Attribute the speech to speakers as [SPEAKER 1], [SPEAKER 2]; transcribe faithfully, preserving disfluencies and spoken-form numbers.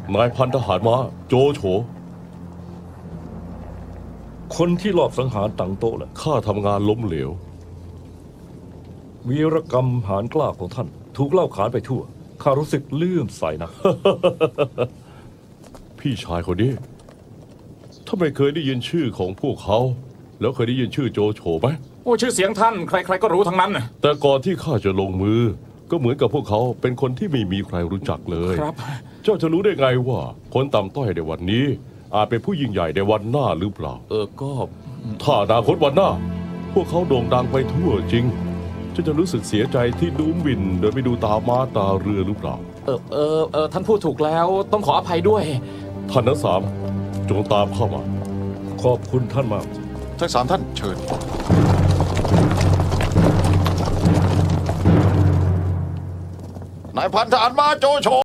[SPEAKER 1] นายพันทหารม้าโจโฉ
[SPEAKER 2] คนที่ลอบสังหารตังโต๊ะแหละ
[SPEAKER 1] ข้าทำงานล้มเหลว
[SPEAKER 2] วีรกรรมหารกล้าของท่าน ถูกเล่าขานไปทั่วข้ารู้สึกเลื่อมใสนะ
[SPEAKER 1] พี่ชายคนนี้ถ้าไม่เคยได้ยินชื่อของพวกเขา แล้วเคยได้ยินชื่อโจโฉไหม
[SPEAKER 3] โอ้ชื่อเสียงท่านใครๆก็รู้ทั้งนั้นน่ะ
[SPEAKER 1] แต่ก่อนที่ข้าจะลงมือ ก็เหมือนกับพวกเขาเป็นคนที่ไม่มีใครรู้จักเลย
[SPEAKER 3] ครับ
[SPEAKER 1] เจ้าจะรู้ได้ไงว่า คนต่ำต้อยในวันนี้ อาจเป็นผู้ยิ่งใหญ่ในวันหน้าหรือเปล่า
[SPEAKER 3] เออก็
[SPEAKER 1] ถ้าอนาคตวันหน้า พวกเขาโด่งดังไปทั่วจริงเจ้าจะรู้สึกเสียใจที่ดูหมิ่นโดยไม่ดูตาม้าตาเรือหรือเปล่า
[SPEAKER 3] เออเออเออท่านพูดถูกแล้วต้องขออภัยด้วย
[SPEAKER 1] ท่านทั้งสามจงตามเข้ามา
[SPEAKER 2] ขอบคุณท่านมาก
[SPEAKER 4] ทั้งสามท่านเชิญ นายพันทหารมาโจโฉ